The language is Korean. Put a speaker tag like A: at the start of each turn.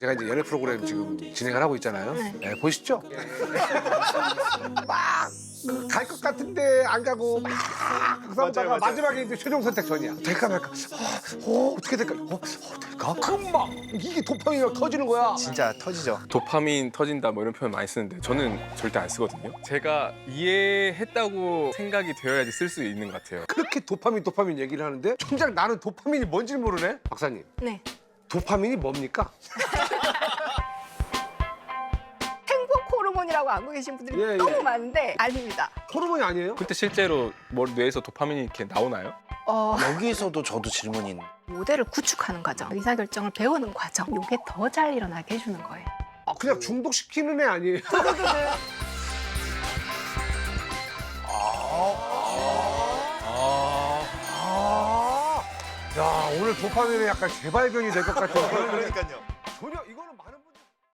A: 제가 이제 연애 프로그램 지금 진행을 하고 있잖아요.
B: 네.
A: 네, 보시죠? 막 갈 것 같은데 안 가고 막 싸우다가 마지막에 이제 최종 선택 전이야. 될까 말까? 어떻게 될까? 될까? 금방 이게 도파민이 터지는 거야.
C: 진짜 터지죠.
D: 도파민 터진다 뭐 이런 표현 많이 쓰는데 저는 절대 안 쓰거든요. 제가 이해했다고 생각이 되어야지 쓸 수 있는 것 같아요.
A: 그렇게 도파민 얘기를 하는데 정작 나는 도파민이 뭔지 모르네. 박사님,
B: 네.
A: 도파민이 뭡니까?
B: 행복 호르몬이라고 알고 계신 분들이
A: 예, 예.
B: 너무 많은데 아닙니다.
A: 호르몬이 아니에요?
D: 근데 실제로 뇌에서 도파민이 이렇게 나오나요?
C: 여기서도 저도 질문이 있는.
B: 모델을 구축하는 과정, 의사결정을 배우는 과정, 이게 더 잘 일어나게 해주는 거예요.
A: 아, 그냥 중독시키는 애 아니에요? 야, 오늘 도파민의 약간 재발견이 될 것 같은.
C: 그러니까요.